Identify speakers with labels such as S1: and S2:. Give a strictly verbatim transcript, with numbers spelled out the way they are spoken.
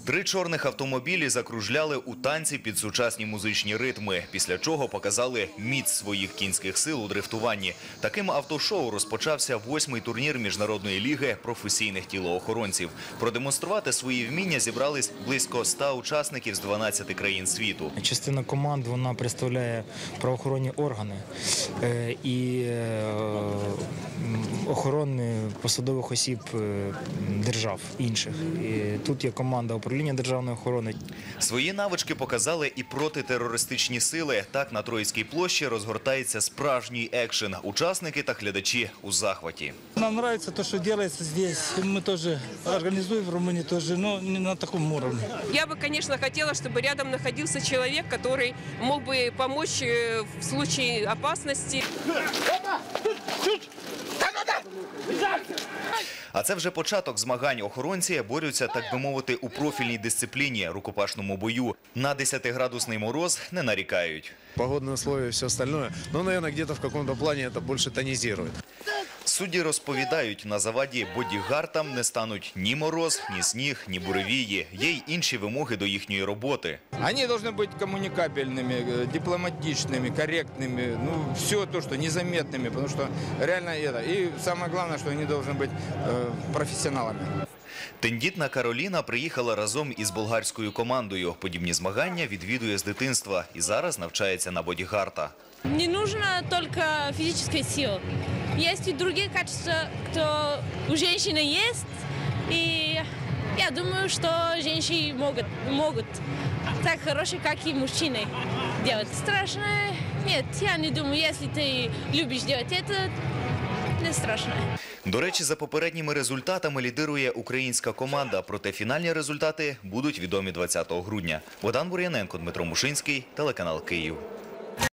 S1: Три чорних автомобілі закружляли у танці під сучасні музичні ритми, після чого показали міць своїх кінських сил у дрифтуванні. Таким автошоу розпочався восьмий турнір Міжнародної ліги професійних тілоохоронців. Продемонструвати свої вміння зібрались близько ста учасників з дванадцяти країн світу.
S2: Частина команд, вона представляє правоохоронні органи і охорони посадових осіб держав інших. І тут є команда управління державної охорони.
S1: Свої навички показали і протитерористичні сили. Так на Троїцькій площі розгортається справжній екшен. Учасники та глядачі у захваті.
S3: Нам подобається те, що робиться тут. Ми теж організуємо в Румунії, теж, але не на такому рівні.
S4: Я бы, конечно, хотела, чтобы рядом находился человек, который мог бы помочь в случае опасности.
S1: А це вже початок змагань. Охоронці борються, так би мовити, у профільній дисципліні – рукопашному бою. На десятиградусний мороз не нарікають.
S5: Погодные условия и все остальное. Но, наверное, где-то в каком-то плане это больше тонизирует.
S1: Судді розповідають, на заваді бодігартам не стануть ні мороз, ні сніг, ні буревії. Є й інші вимоги до їхньої роботи.
S6: Они должны быть коммуникабельными, дипломатичными, корректными, ну, все то, что незаметными, потому что реально это. И самое главное, что они должны быть э, профессионалами.
S1: Тендітна Кароліна приїхала разом із болгарською командою. Подібні змагання відвідує з дитинства і зараз навчається на бодігарта.
S7: Не нужно только физическая сила. Есть и другие качества, кто у женщины есть. И я думаю, что женщины могут, могут так хорошие, как и мужчины делать. Страшно? Нет, я не думаю. Если ты любишь делать это, не страшно.
S1: До речі, за попередніми результатами лідирує українська команда, проте фінальні результати будуть відомі двадцятого грудня. Богдан Бур'яненко, Дмитро Мушинський, телеканал Київ.